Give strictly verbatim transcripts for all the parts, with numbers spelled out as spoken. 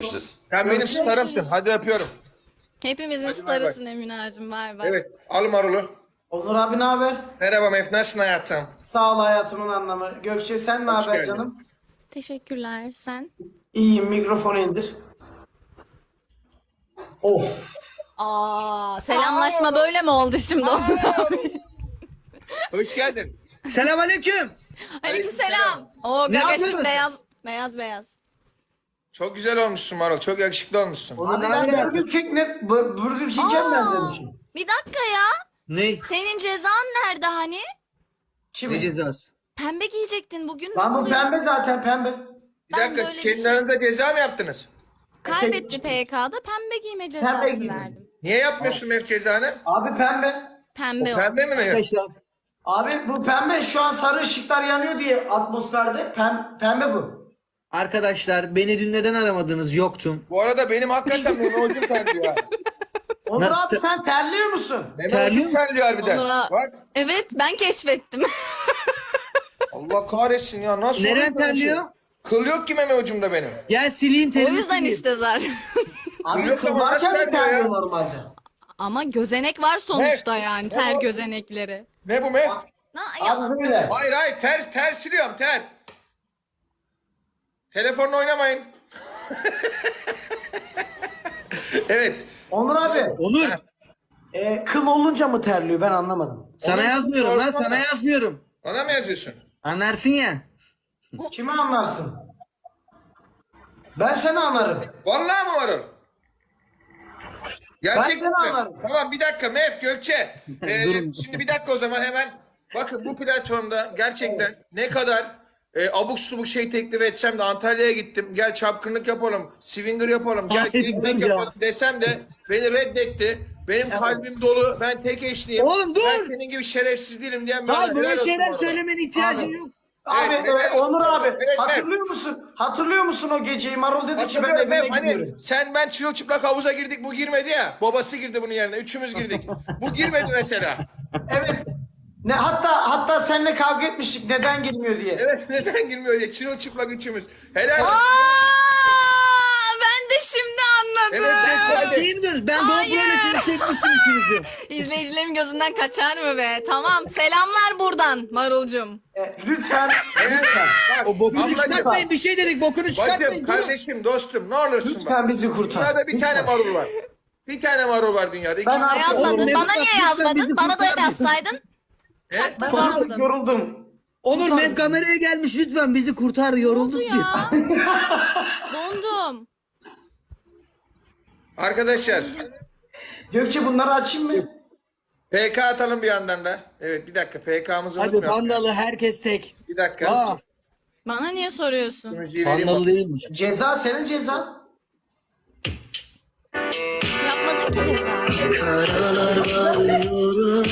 Sen benim starımsın. Hadi öpüyorum. Hepimizin Hadi bay starısın Eminacığım. Bay bay. Evet. Al marulu. Onur abi ne haber? Merhaba Mef. Nasılsın hayatım? Sağ ol hayatımın anlamı. Gökçe sen ne Hoş haber geldin. canım? Teşekkürler. Sen? İyiyim, mikrofonu indir. Of. Aa, selamlaşma böyle mi oldu şimdi? Hoş geldin. Selamünaleyküm. Aleykümselam. Oo, Ne gagaşım yapıyorsun? beyaz. Beyaz beyaz. Çok güzel olmuşsun Marul. Çok yakışıklı olmuşsun. Onur Abi ne ben haber? Burger King ne? Bu- Burger King'e mi benzemişim? Bir dakika ya. Ne? Senin cezan nerede hani? Kim? Ne cezası? Pembe giyecektin bugün. Lan ne bu oluyor? pembe zaten pembe. Bir Ben dakika. böyle bir Kendi şey- aranızda ceza mı yaptınız? Kaybetti P K'da pembe giyme cezası giyme. verdim. Niye yapmıyorsun Mef cezanı? Abi pembe. Pembe o. Pembe mi Mef? Arkadaşlar Abi bu pembe şu an sarı ışıklar yanıyor diye atmosferde pem, pembe bu. Arkadaşlar beni dün neden aramadınız? Yoktum. Bu arada benim hakikaten Mehmet Hocam terliyor ha. Onur Nasıl abi te- sen terliyor musun? Mehmet Terliyor Hocam terliyor harbiden. Onur ha- Bak. Evet ben keşfettim. Allah kahretsin ya. Nasıl Neren olur böyle şey? terliyor? Kıl yok ki Mehmet Hocam'da benim. Gel sileyim O telini yüzden sileyim. işte zaten. Abi Yok ama kıl varken nasıl mi terliyor ya? terliyor normalde? Ama gözenek var sonuçta Evet. yani. Ter gözenekleri. Ne bu Mef? Na, ya, Abi böyle. Hayır hayır ters ters siliyorum ter. Telefonla oynamayın. Evet. Onur abi Onur e, kıl olunca mı terliyor ben anlamadım. sana Onur, yazmıyorum lan, sorma. sana yazmıyorum. Ona mı yazıyorsun? Anlarsın ya. Kimi anlarsın? Ben seni anlarım. Vallahi mi varım? Gerçekten seni mi? anlarım. Tamam bir dakika Mef Gökçe. Ee, Durun. şimdi bir dakika o zaman hemen. Bakın bu platformda gerçekten ne kadar e, abuk subuk şey teklif etsem de Antalya'ya gittim. Gel çapkınlık yapalım. Swinger yapalım. Gel Hayır teknik ya. yapalım desem de beni reddetti. Benim kalbim dolu. Ben tek eşliyim. Oğlum dur. Ben senin gibi şerefsiz değilim diyen bir Hayır adam. böyle Helal olsun şeyler bu arada. söylemene ihtiyacım Abi. yok. Abi Evet, e, helal olsun. Onur abi Evet, evet. hatırlıyor musun? Hatırlıyor musun o geceyi? Marul dedi ki ben Hatırlıyorum evime Mef, hani gidiyorum. sen ben çırılçıplak havuza girdik bu girmedi ya. Babası girdi bunun yerine. Üçümüz girdik. Bu girmedi mesela. Evet. Ne hatta hatta seninle kavga etmiştik neden girmiyor diye. Evet neden girmiyor diye çırılçıplak üçümüz. Helal olsun. Aa, ben de şimdi anladım. Evet geç hadi. Şey mi diyoruz? Ben Doğu Hayır. Pro'yla çekmiştim üçünüzü. İzleyicilerimin gözünden kaçar mı be? Tamam. Selamlar buradan Marulcum. E, lütfen Evet, lütfen. bak, O bokunu ablacığım, çıkartmayın, bir şey dedik, bokunu Bacım, çıkartmayın. Durun. kardeşim, dostum ne olursun bak. Lütfen bizi kurtar. Dünyada bir Lütfen. tane marul var. Bir tane marul var dünyada. İki Ben Bana artık- yazmadın. Oğlum, Bana Mevlüt niye Akgül, sen yazmadın? bizi Bana da kurtar mısın? yazsaydın. Ben artık Çaktırmazdım. yoruldum. Onur Mev kameraya gelmiş, lütfen bizi kurtar, yorulduk Oldu diyor. ya. Dondum. Arkadaşlar Gökçe bunları açayım mı? P K atalım bir yandan da. Evet bir dakika P K'mızı Hadi unutmayalım. pandalı herkes tek. Bir dakika. Aa, Bana niye soruyorsun? Müziği vereyim pandalı bak. değilmiş. Ceza senin cezan. Yapmadın ki cezayı. Karalar bağlıyorum.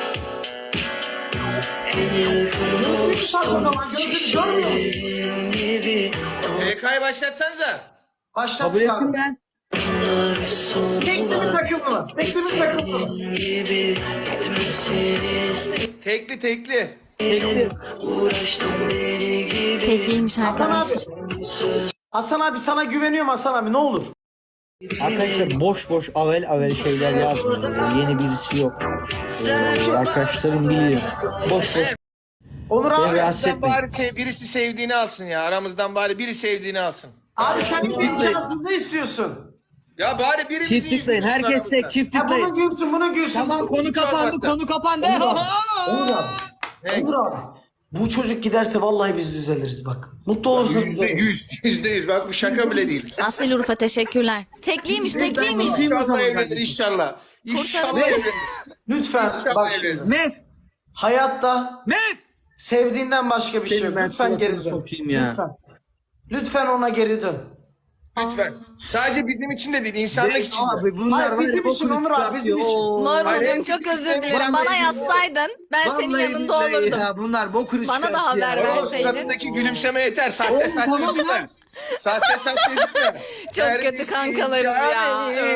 En yakın Bak o zaman gözünü görmüyor musun? olsun gibi. P K'yı başlatsanıza. Başlat Kabul ettim abi. ben. Onlar son Tekli mi takımlı mı? Tekli mi takımlı mı? gibi gitmesini istedim. Tekli tekli. Uğraştım deli gibi. Tekliymiş Hasan arkadaşlar. abi. Hasan abi sana güveniyorum Hasan abi ne olur. Arkadaşlar boş boş avel avel şeyler yazmıyor. Yeni birisi yok. Ee, arkadaşlarım biliyor. Boş boş. Onur abi. Beni rahatsız Aramızdan etmeyin. bari se- birisi sevdiğini alsın ya. Aramızdan bari biri sevdiğini alsın. Abi sen imkansız ne istiyorsun? Ya bari birimizi Çift tıklayın. yüzümüzün Herkes aramızdan. tek çift Ha bunu tıklayın. gülsün bunu gülsün. Tamam konu kapandı, konu kapandı. Onur abi. Onur abi. Ne? Onur abi. Bu çocuk giderse vallahi biz düzeliriz bak. Mutlu olursunuz. Yüzde yüz. Yüzde yüz. Bak bu şaka bile değil. Asil Urfa teşekkürler. Tekliymiş tekliymiş. İnşallah evlenir inşallah. İnşallah evlenir. Lütfen İnşallah bak evlenir. şimdi. Mev. Hayatta Mev. sevdiğinden başka bir şey Seni yok. ben Lütfen geri suratına dön. sokayım ya. Lütfen. Lütfen ona geri dön. Lütfen. Sadece bizim için de değil, insanlık için de. Abi bunlar Hayır, var bizim ya için bokunu Onur abi, bizim çıkartıyor. için. Oo. Marulcum çok özür dilerim. Bana yazsaydın ben senin Vallahi yanında billahi olurdum. ya, bunlar bokunu Bana da çıkartıyor haber ya. ver. O verseydin. suratındaki gülümseme yeter. Sahte Oğlum, sahte tamam üzülme. lan. Sahte sahte üzülme. Çok kötü Neredesin kankalarız canım? ya.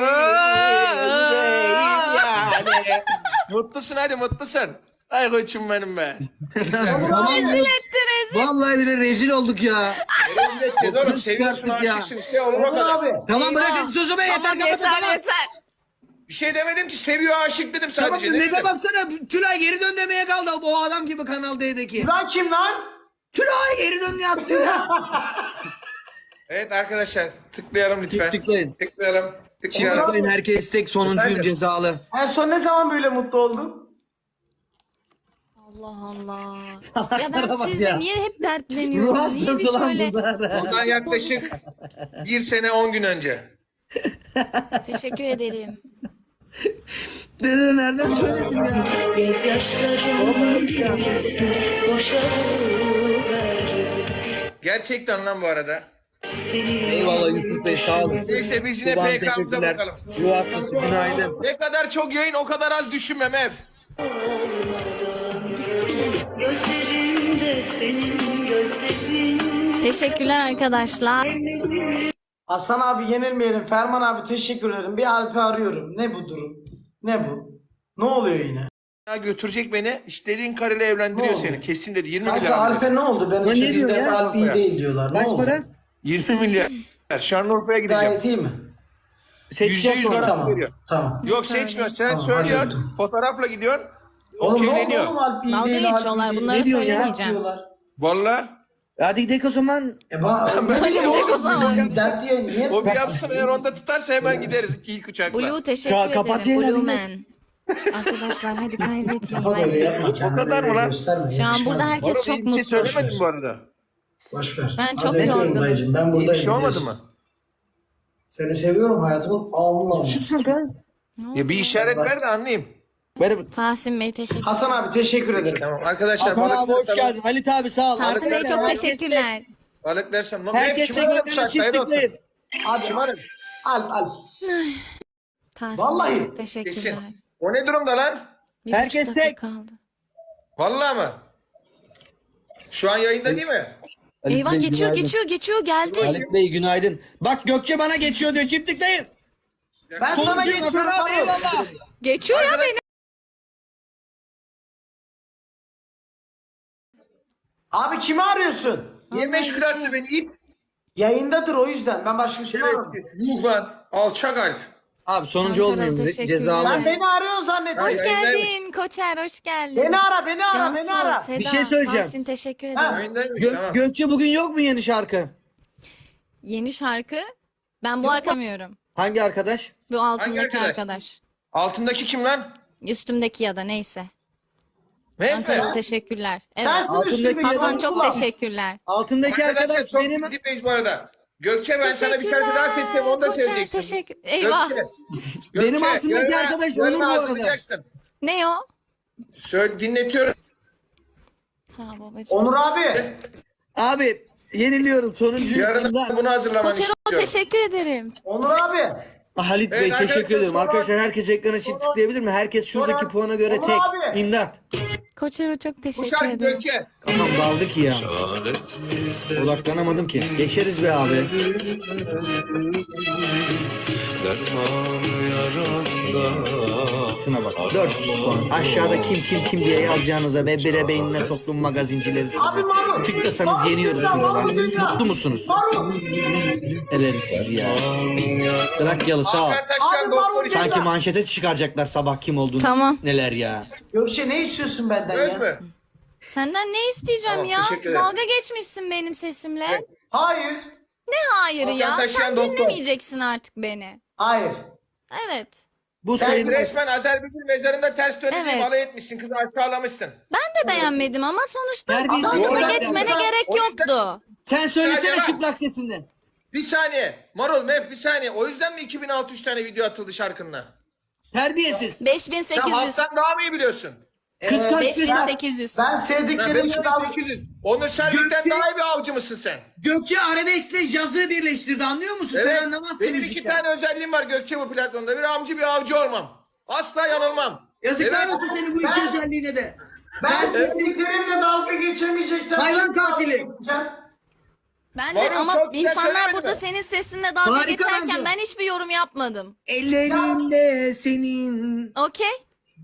Yani. Mutlusun hadi mutlusun. Ay koçum benim be. Rezil etti rezil. Vallahi bile rezil olduk ya. Rezil edeceğiz oğlum. Seviyorsun, çıkarttık ya. aşıksın işte olur o Onur kadar. abi. Tamam Eyvah. bırakın sözümü yeter. Tamam kapatın, yeter tamam. yeter. Bir şey demedim ki, seviyor aşık dedim Tamam sadece. ne demedim. baksana Tülay geri dön demeye kaldı o adam gibi Kanal D'deki. Tülay kim lan? Tülay geri dön ya atlıyor. Evet arkadaşlar tıklayalım lütfen. Tıklayın. Tıklayalım. Şimdi Tıklayalım. tıklayın herkes tek sonuncuyum Efendim? cezalı. En son ne zaman böyle mutlu oldun? Allah Allah. Ya ben bak sizle ya. niye hep dertleniyorum? Ruh Niye bir hastası lan şöyle... bunlar. Ondan yaklaşık bir sene on gün önce. Teşekkür ederim. Dede nereden söyledin ya? Gözyaşlarım boşa verdi. Gerçekten lan bu arada. Seni Eyvallah Yusuf Bey sağ olun. Neyse biz yine Ulan P K'mıza teşekkürler. bakalım. Yuvarlak günaydın. Ne kadar çok yayın o kadar az düşünmem ev. gözlerimde senin gözlerin. Teşekkürler arkadaşlar. Aslan abi yenilmeyelim. Ferman abi teşekkür ederim. Bir Alp'i arıyorum. Ne bu durum? Ne bu? Ne oluyor yine? Ya götürecek beni. İstediğin karıyla evlendiriyor Ne oldu? seni. Kesin dedi. yirmi Kanka milyar. dedi. Alp'e ne oldu? Benim Lan ne diyor çekimde ya? Alp iyi değil diyorlar. Ne Kaç oldu? para? yirmi milyar. Şanlıurfa'ya gideceğim. Gayet iyi mi? Seçeceğiz Yüzde yüz sonra. garanti Tamam. veriyor. Tamam. Yok seçmiyor. Sen Tamam, söylüyorsun. hallettim. Fotoğrafla gidiyorsun. Oğlum ne oldu Okeyleniyor. oğlum Alp iyi Dalga değil, Alp geçiyorlar, iyi değil. bunları Ne diyorsun ya? söylemeyeceğim. Diyorlar. Valla. Hadi gidelim o zaman. E bana Ben ne bir şey bileyim o zaman. oğlum, dert diye niye? O bir yapsın eğer onda tutarsa hemen gideriz. İlk uçakla. Blue teşekkür Ka- kapat ederim. yayını, Blue hadi. Man. Arkadaşlar hadi kaybetmeyin. Kapat öyle yapma. kendini kadar mı öyle lan? gösterme, Şu an yakışmaz. burada herkes Bana çok bir şey mutlu. söylemedim bu arada. Boş ver. Ben Hadi çok öpüyorum yorgunum. dayıcım. Ben İyi buradayım. bir şey olmadı biliyorsun. mı? Seni seviyorum hayatımın alnına. Ya bir işaret ver de anlayayım. Ver. Tahsin Bey teşekkür Hasan abi teşekkür ederim. Tamam arkadaşlar. Hakan abi hoş balıklar- geldin. Halit abi sağ ol. Tahsin Bey çok Herkes teşekkürler. Balık dersem. Lan Herkes hep tek kim arıyor bu tek saatte? çift Hayır olsun. tıklayın. Abi Şımarık. Alp Alp. Tahsin Vallahi. Bey çok teşekkürler. Kesin. O ne durumda lan? Bir Herkes buçuk dakika tek. kaldı. Vallahi mı? Şu an yayında değil mi? Halit Eyvah Bey, geçiyor günaydın. geçiyor geçiyor geldi. Halit Bey günaydın. Bak Gökçe bana geçiyor diyor çift tıklayın. Ben sana Sonuncuyum geçiyorum. Hakan abi Tamam. eyvallah. Geçiyor ya beni. Abi kimi arıyorsun? Niye meşgul attı beni? İt. Yayındadır o yüzden. Ben başkasını arıyorum. Yuh lan. Alçak Alp. Abi sonuncu Ankara, olmayayım teşekkürler. cezalı. Ben beni arıyorsun zannettim. Ay, Hoş yayındayım. geldin Koçer hoş geldin. Beni ara beni ara beni Cansu, ara. Seda, Bir şey söyleyeceğim. Tahsin teşekkür ederim. Ha. Yayındaymış Gö- tamam. Gökçe bugün yok mu yeni şarkı? Yeni şarkı. Ben bu arkamıyorum. Hangi arkadaş? Bu altındaki arkadaş? arkadaş? Altındaki kim lan? Üstümdeki ya da neyse. Mehmet. Ankara teşekkürler. Evet. Sensin Altındaki üstündeki Hasan yalan çok kulağım. teşekkürler. Altındaki Arkadaşlar arkadaş çok benim. dipeyiz bu arada. Gökçe ben sana bir şarkı daha Teşekkürler. seçeceğim onu da Koçer, söyleyeceksin. teşekkür- Eyvah. Gökçe. Benim Gökçe, altındaki yarına- arkadaş yarına Onur bu arada. hazırlayacaksın. Ne o? Söyle dinletiyorum. Sağ ol babacığım. Onur abi. Abi yeniliyorum sonuncuyum. Yarın İmdat. bunu hazırlamanı Koçer istiyorum. teşekkür ederim. Onur abi. Halit Evet, Bey teşekkür arkadaşlar, ederim. sonra- Arkadaşlar herkes ekrana çift sonra- tıklayabilir mi? Herkes şuradaki sonra- puana göre Onur tek. abi. İmdat. Koçer'e çok Bu teşekkür şarkı ederim. Gökçe. Kafam daldı ki ya. Odaklanamadım ki. Geçeriz be abi. Dermanı yaranda. Şuna bak. dört puan. Aşağıda kim kim kim diye yazacağınıza ve bire beynine soktum magazincileri Abi size. Marul. Tıklasanız Marul yeniyoruz dünya, buralar. Marul dünya. Mutlu musunuz? Marul. Ederiz sizi ya. Trakyalı sağ ol. Hakan Taşyan Abi, doktor Mahmut istiyor. Sanki manşete çıkaracaklar sabah kim olduğunu. Tamam. Neler ya. Gökçe ne istiyorsun benden Söz ya? mü? Senden ne isteyeceğim Tamam, ya? teşekkür ederim. Dalga geçmişsin benim sesimle. Hayır. Ne hayır Hakan ya? Taşyan Sen doktor. dinlemeyeceksin artık beni. Hayır. Evet. Bu Sen sayılmaz. resmen Azerbaycan mezarında ters dönüp Evet. alay etmişsin. Kızı aşağılamışsın. Ben de beğenmedim ama sonuçta Terbiyesiz dalga olarak geçmene yapmışsın. gerek O yüzden- yoktu. Sen söylesene Hadi lan. çıplak sesinden. Bir saniye. Marul Mef bir saniye. O yüzden mi iki bin altı yüz tane video atıldı şarkınla? Terbiyesiz. beş bin Sen sekiz yüz. halktan daha mı iyi biliyorsun? Kıskanç beş bin sesi. sekiz yüz. Ben Lan sevdiklerimle beş bin dalga... sekiz yüz. Onur Servik'ten Gökçe- daha iyi bir avcı mısın sen? Gökçe Arabex'le cazı birleştirdi anlıyor musun? Sen anlamazsın Benim iki müzikten. tane özelliğim var Gökçe bu platformda. Bir amcı bir avcı olmam. Asla yanılmam. Yazıklar Evet. olsun senin bu iki Ben- özelliğine de. Ben sevdiklerimle dalga geçemeyeceksem... Hayvan şimdi dalga katili. geçeceğim. Ben de Marul, ama çok güzel insanlar söylemedin burada mi? senin sesinle dalga Harika geçerken bence. ben hiçbir yorum yapmadım. Ellerinde senin. Okey?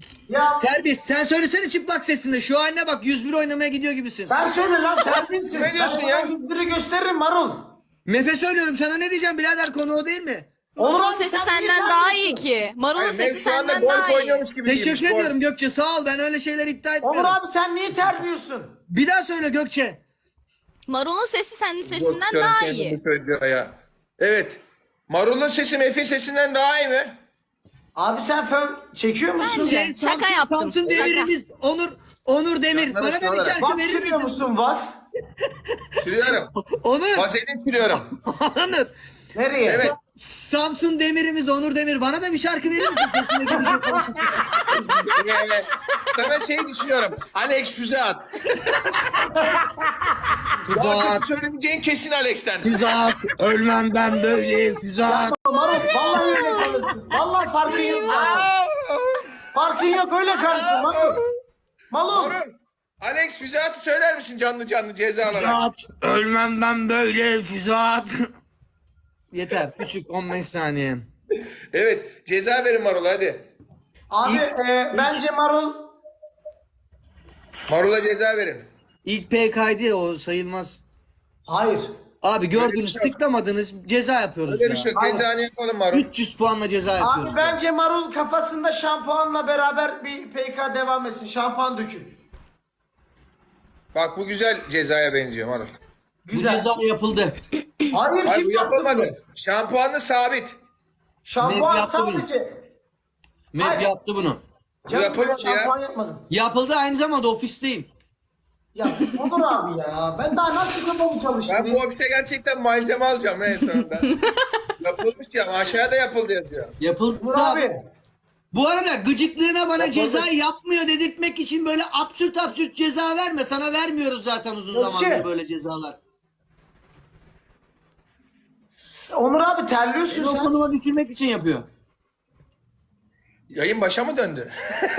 Ya Terbiyesiz. Sen söylesene çıplak sesinde. Şu haline bak yüz bir oynamaya gidiyor gibisin. sen söyle lan terbiyesiz. Ne diyorsun Ben ya? sana yüz biri gösteririm Marul. Mefe söylüyorum sana ne diyeceğim birader konu o değil mi? Marul'un abi, sesi sen senden niye daha terliyorsun? iyi ki. Marul'un Hayır, sesi Mev şu anda senden daha golf iyi. oynuyormuş gibi Teşekkür giymiş, golf. ediyorum Gökçe sağ ol ben öyle şeyler iddia etmiyorum. Onur abi sen niye terliyorsun? Bir daha söyle Gökçe. Marul'un sesi senin Yok, sesinden kendi daha kendime iyi. söylüyor ya. Evet. Marul'un sesi Mef'in sesinden daha iyi mi? Abi sen fön çekiyor musun? Bence. Şaka Samsun- yaptım. Samsun Şaka. Demirimiz Onur Onur Demir. Yanlarına Bana da bir olarak. şarkı Wax verir sürüyor misin? musun Wax? Sürüyorum. Onur. Vazelin sürüyorum. Onur. Nereye? Evet. Samsun Demirimiz Onur Demir. Bana da bir şarkı verir misin? Sesine gelecek olsun. Evet. Sana şey düşünüyorum. Alex füze at. Füze Daha at. kötü söylemeyeceğin kesin Alex'ten. Füze at. Ölmem ben böyle füze at. Marul vallahi öyle kalırsın. Vallahi farkın yok. Farkın yok öyle kalırsın Marul. Marul. Marul. Alex füze atı söyler misin canlı canlı ceza Füze olarak? at. Ölmem ben böyle füze at. Yeter. Küçük on beş saniye. Evet. Ceza verin Marul hadi. Abi e, bence Marul Marul'a ceza verin. İlk P K'ydı ya o sayılmaz. hayır. Abi gördünüz şey yok. tıklamadınız ceza yapıyoruz Öyle bir ya. şey yok. Aynen. Cezanı yapalım Marul. üç yüz puanla ceza yapıyoruz. Abi bence Marul kafasında şampuanla beraber bir P K devam etsin. Şampuan dökün. Bak bu güzel cezaya benziyor Marul. Bu Güzel. ceza yapıldı. Hayır Hayır kim bu yaptı bunu? yapılmadı. Şampuanlı sabit. Şampuan Mev yaptı bunu. sadece. Mev Hayır. yaptı bunu. Canım, yapılmış ben ya. şampuan yapmadım. Yapıldı aynı zamanda ofisteyim. Ya Onur abi ya. Ben daha nasıl kafamı çalıştırayım? Ben bu ofiste gerçekten malzeme alacağım en sonunda. Yapılmış ya. Aşağıda yapıldı yazıyor. Yapıldı. Onur abi. Bu arada gıcıklığına bana Yapıldı. ceza yapmıyor dedirtmek için böyle absürt absürt ceza verme. Sana vermiyoruz zaten uzun Gökçe. zamandır böyle cezalar. Onur abi terliyorsun Seni o sen. konuma düşürmek için yapıyor. Yayın başa mı döndü?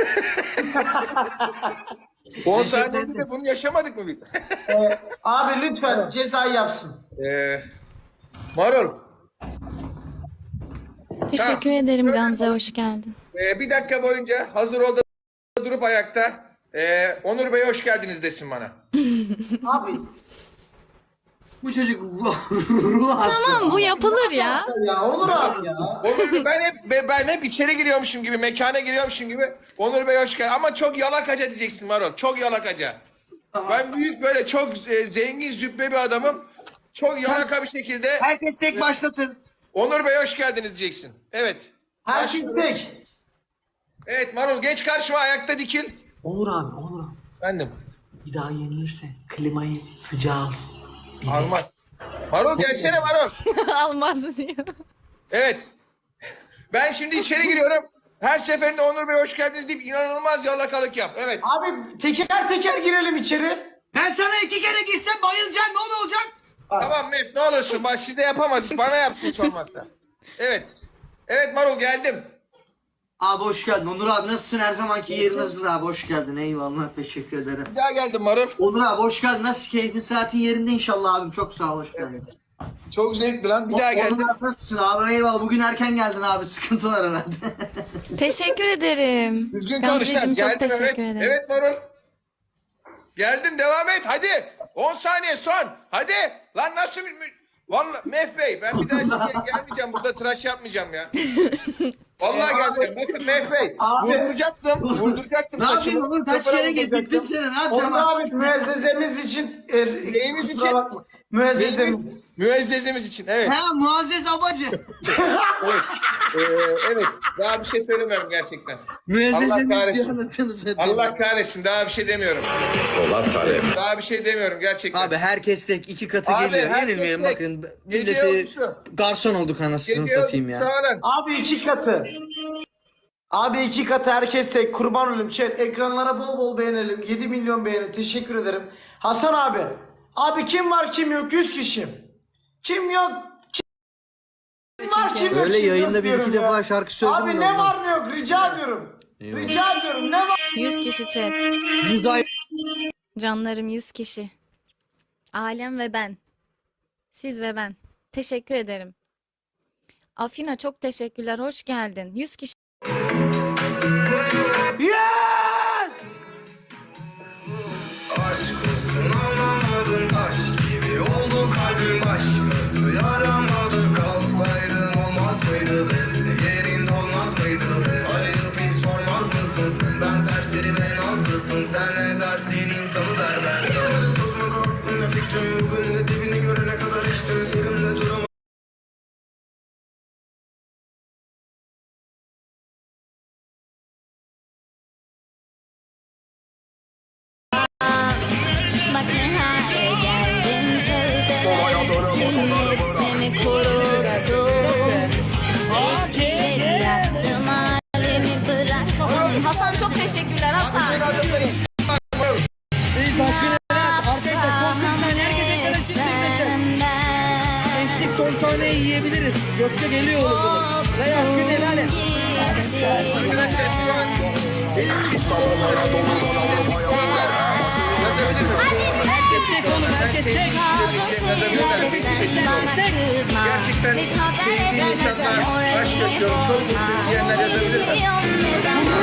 on saniyede bunu yaşamadık mı biz? Ee, abi lütfen cezayı yapsın. ee, Marul. Teşekkür Ha. ederim Öyle Gamze, mi? hoş geldin. Ee, bir dakika boyunca hazır ol da durup ayakta. Ee, Onur Bey hoş geldiniz desin bana. Abi Bu çocuk ruh hastası. Tamam, bu yapılır ya. ya Onur abi ya. Onur ben hep be- ben hep içeri giriyormuşum gibi, mekana giriyormuşum gibi. Onur Bey hoş geldin. Ama çok yalakaca diyeceksin Marul. Çok yalakaca. Ben büyük böyle çok e, zengin züppe bir adamım. Çok yalaka bir şekilde Herkes tek başlatın. Onur Bey hoş geldiniz diyeceksin. Evet. Herkes Başlıyorum. tek. Evet Marul geç karşıma ayakta dikil. Onur abi Onur abi. Efendim. Bir daha yenilirse klimayı sıcağı alsın. Bir de- Almaz. Marul gelsene Marul. Almaz diyor. Evet. Ben şimdi içeri giriyorum. Her seferinde Onur Bey hoş geldiniz deyip inanılmaz yalakalık yap. Evet. Abi teker teker girelim içeri. Ben sana iki kere gitsem bayılacaksın ne olacak? Tamam Mef ne olursun. Bak siz de yapamazsınız. Bana yapsın hiç olmazsa. Evet. Evet Marul geldim. Abi hoş geldin. Onur abi nasılsın? Her zamanki yerin hazır abi. Hoş geldin. Eyvallah. Teşekkür ederim. Bir daha geldim Marul. Onur abi hoş geldin. Nasıl keyfin saatin yerinde inşallah abim. Çok sağ ol. Hoş geldin. Çok zevkli lan. Bir daha Onur geldim. abi nasılsın abi? Eyvallah. Bugün erken geldin abi. Sıkıntı var herhalde. Teşekkür ederim. Düzgün konuş lan. Gamzeciğim, çok Geldim evet. teşekkür ederim. Evet Marul. Geldim devam et hadi. on saniye son. Hadi. Lan nasıl mü- Vallahi Mef Bey ben bir daha size gelmeyeceğim. Burada tıraş yapmayacağım ya. Vallahi geleceğim. Bakın Mef Bey. Abi. Vurduracaktım. Vurduracaktım ne saçımı. yapayım Onur? Kaç Sıfıra kere vurduracaktım. gittim seni. Ne yapacağım Onur abi? abi müezzezemiz için er, Neyimiz kusura için? bakma. Müezzezemiz. Müezzezimiz için evet. Ha Muazzez Abacı. Evet. Ee, evet. Daha bir şey söylemiyorum gerçekten. Müezzezemiz kahretsin. diye anlatıyorsunuz zaten. Allah kahretsin. Daha bir şey demiyorum. Polat Alem. Daha bir şey demiyorum gerçekten. Abi herkes tek iki katı Abi, geliyor. herkes Yenilmeyelim tek. bakın. Gece Milleti yolcusu. garson olduk anasını Geliyor, satayım ya. sağ olun. Abi iki katı. Abi iki katı herkes tek. Kurban olayım. Chat ekranlara bol bol beğenelim. yedi milyon beğeni. Teşekkür ederim. Hasan abi. Abi kim var kim yok? yüz kişi. Kim yok? Kim var kim yok? Öyle kim yayında yok bir iki diyorum ya. defa şarkı söyledim Abi de ne ondan. var ne yok? Rica ediyorum. Rica ediyorum. Ne var? yüz kişi chat. Yüz ay Canlarım yüz kişi. Alem ve ben. Siz ve ben. Teşekkür ederim. Afina çok teşekkürler. Hoş geldin. yüz kişi. Yeah! kalbimi kuruttum. Eskileri yaktım, halimi bıraktım. Hasan çok teşekkürler Hasan. Senin adındayım. Reis hakkını helal. Arkadaşlar son kırk saniye herkes ekrana çizdirmesin. Geçtik son sahneyi yiyebiliriz. Gökçe geliyor oğlum. Ray hakkını helal et. Arkadaşlar şu an benim için Herkes tek oğlum herkes tek. Gerçekten sevdiğim insanla aşk yaşıyorum. Çok mutluyum diyenler yazabilirler.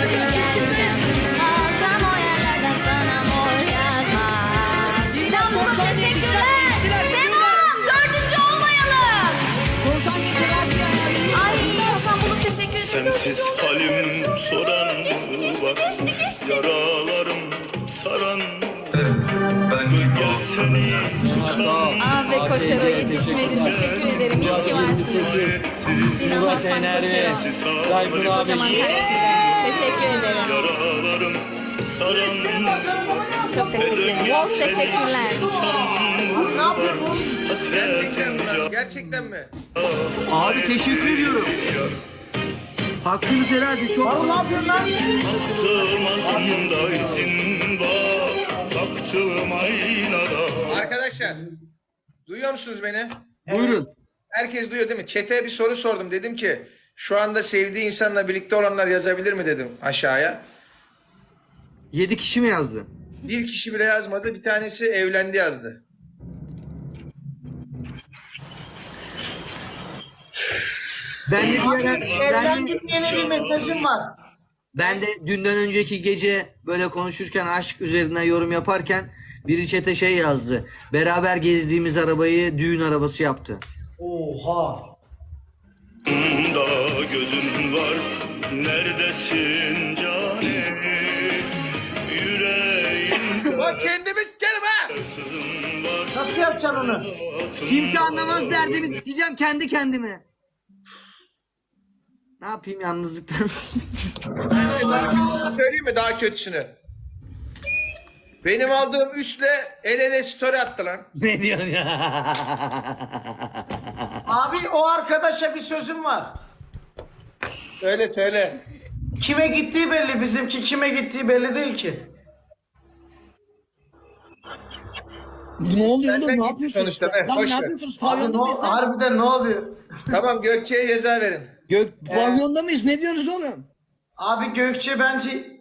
Sinan Bulut teşekkürler. Devam. Dördüncü olmayalım. Son saniye telaş ya. Ay Hasan Bulut teşekkür ederim. Sensiz halim soran var, yaralarım saran var. Gel seni tutan Abi Koçero yetişmedi. Teşekkür ederim. İyi ki varsınız. Sinan Hasan Koçero. Tayfun abi. Kocaman kalp size. Teşekkür ederim. yaralarım saran var. Çok teşekkürler. Bol teşekkürler. Var hasretin Gerçekten mi? Gerçekten mi? Abi teşekkür ediyorum. Hakkınız helal et. Çok Oğlum ne yapıyorsun lan? Baktım altında izin var, baktım aynada. Arkadaşlar duyuyor musunuz beni? Buyurun. Herkes duyuyor değil mi? Çete'ye bir soru sordum. Dedim ki şu anda sevdiği insanla birlikte olanlar yazabilir mi dedim aşağıya. Yedi kişi mi yazdı? Bir kişi bile yazmadı. Bir tanesi evlendi yazdı. Ben de bir ara, ben, Evlendim yeni bir mesajım var. ben de dünden önceki gece böyle konuşurken aşk üzerinden yorum yaparken biri çete şey yazdı. Beraber gezdiğimiz arabayı düğün arabası yaptı. Oha. Da gözün var, neredesin canim? Yüreğimde Bak kendimi sikerim ha! sızın var. Nasıl yapacaksın onu? Kimse anlamaz derdimi diyeceğim kendi kendime. Ne yapayım yalnızlıktan? Ben size daha kötüsünü söyleyeyim mi? Daha kötüsünü. Benim aldığım üstle el ele story attı lan. Ne diyorsun ya? Abi o arkadaşa bir sözüm var. Söyle söyle. Kime gittiği belli, bizimki kime gittiği belli değil ki. Ne oluyor Benden oğlum? Ne gitti yapıyorsunuz? sonuçta be, Lan boş ne ver. yapıyorsunuz? Abi ne, Pavyonda mıyız lan? harbiden ne oluyor? Tamam Gökçe'ye ceza verin. Gök, pavyonda mıyız? Ne diyorsunuz oğlum? Abi Gökçe bence...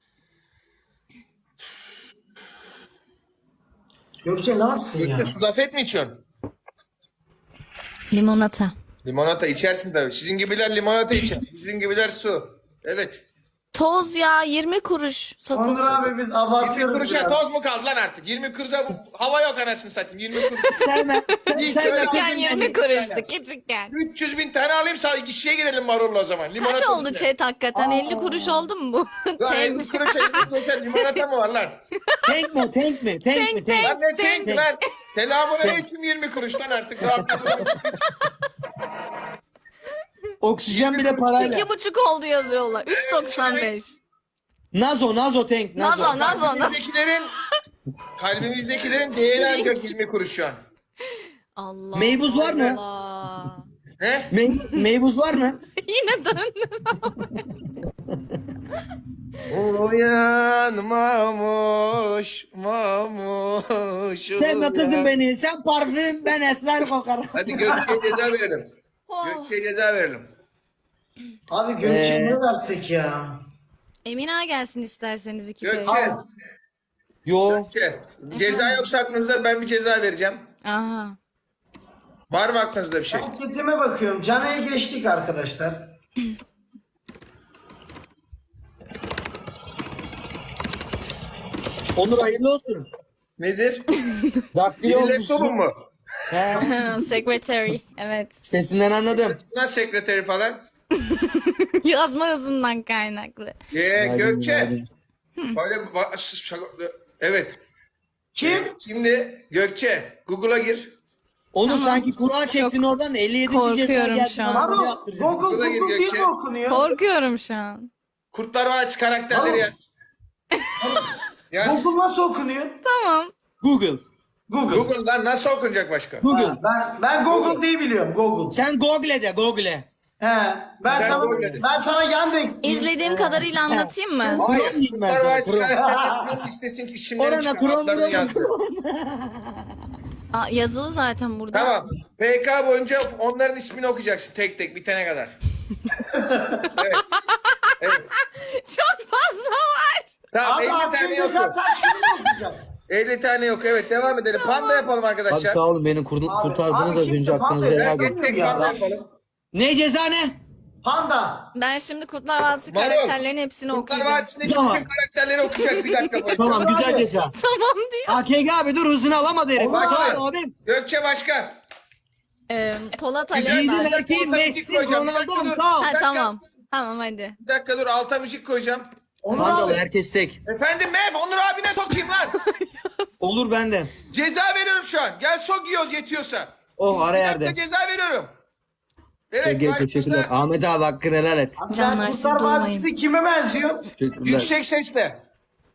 Gökçe ne yapsın ya? Gökçe sudafet mi içiyorsun? Limonata. Limonata içersin tabii. Sizin gibiler limonata içer. Bizim gibiler su. Evet. Toz ya yirmi kuruş Onur satılıyor. abi biz yirmi abartıyoruz kuruşa biraz. toz mu kaldı lan artık? yirmi kuruşa hava yok anasını satayım. yirmi kuruş. Sevme. İyi, Sevme. şöyle Küçükken alayım yirmi ben. kuruştu küçükken. üç yüz bin tane alayım sağ kişiye girelim marulla o zaman. Limonata Kaç oldu içine. chat hakikaten? elli kuruş oldu mu bu? Lan Tek. elli kuruşa elli kuruşa limonata mı var lan? Tank mi? Tank mi? Tank mi? Tank. Lan ne tek lan? Selamun aleyküm yirmi kuruş lan artık. Rahatlıkla. Oksijen bile parayla. İki buçuk oldu yazıyorlar. üç doksan beş. Nazo, Nazo tank. Nazo. Nazo, Nazo, Nazo. Kalbimizdekilerin, kalbimizdekilerin değeri ancak yirmi kuruş şu an. Allah Meybuz var mı? Allah. Ne? Mey- meybuz var mı? Yine döndü. Uyanmamış, mamuş. Sevme kızım beni. Sen parfüm, ben esrar kokarım. Hadi Gökçe'ye ceza verelim. Oh. Gökçe'ye ceza verelim. Abi Gökçe'ye Ee, ne versek ya? Emine gelsin isterseniz iki bey. Gökçe, Yo. Gökçe. Ceza yoksa aklınızda ben bir ceza vereceğim. Aha. Var mı aklınızda bir şey? Ben chatime bakıyorum. Cana'ya geçtik arkadaşlar. Onur hayırlı olsun. Nedir? Daktilo Bir laptopun mu? He. Secretary. Evet. Sesinden anladım. Nasıl sekreteri falan? Yazma hızından kaynaklı. Ee, Gökçe. Böyle ba- ş- şaka- evet. Kim? Şimdi Gökçe Google'a gir. Onur sanki kura çektin oradan da elli yedi ceza korkuyorum geldi. şu an. bana bunu Aro, yaptıracak. Google Google'a gir Google diye Gökçe. mi okunuyor? Korkuyorum şu an. Kurtlar Vadisi karakterleri Tamam. yaz. Yaz. Google nasıl okunuyor? Tamam. Google. Google. Google lan nasıl okunacak başka? Google. Ha, ben ben Google diye biliyorum. Google. Sen Google de Google. He. Ben Sen sana Google de. ben sana Yandex diyeyim. İzlediğim kadarıyla anlatayım mı? Hayır. Kur'an diyeyim ben Kurtlar sana, Vadisi Kur'an. karakterlerinin listesin ki isimlerini Orana çıkar. Kur'an Adlarını vuralım. yazdı. Aa, yazılı zaten burada. Tamam. P K boyunca onların ismini okuyacaksın tek tek bitene kadar. evet. Evet. Çok fazla var. Tamam Abi elli tane aklımda yok. kaç kaç kere mi okuyacağım? elli tane yok. Evet devam edelim. Panda yapalım Abi arkadaşlar. sağ olun beni kurdu- Abi, kurtardınız abi az kimse önce aklınıza panda helal yapıyor. olsun. Tek tek Ya. panda yapalım. Ne ceza ne? Panda. Ben şimdi Kurtlar Vadisi Marul. karakterlerin hepsini Kurtlar okuyacağım. Vadisi'ndeki Tamam. bütün karakterleri okuyacak bir dakika boyunca. Tamam güzel abi. ceza. Tamam diyor. A K G abi dur hızını alamadı herif. Başla. Sağ ol abim. Gökçe başka. Ee, Polat Güzel. Alemdar. Yiğidim erkeğim Orta müzik Messi koyacağım. Bir Ronaldo'm dakika dur. sağ ol. Ha dakika. tamam. Tamam hadi. Bir dakika dur alta müzik koyacağım. Onur Mandalı abi. herkes tek. Efendim Mef Onur abine sokayım lan. Olur bende. Ceza veriyorum şu an. Gel sok yiyoruz yetiyorsa. Oh ara Bir dakika yerde. ceza veriyorum. Evet. Ege başla. teşekkürler. Ahmet abi hakkını helal et. Abi Canlar, ben siz Kurtlar durmayın. Vadisi'nde kime benziyor? Teşekkürler. Yüksek sesle.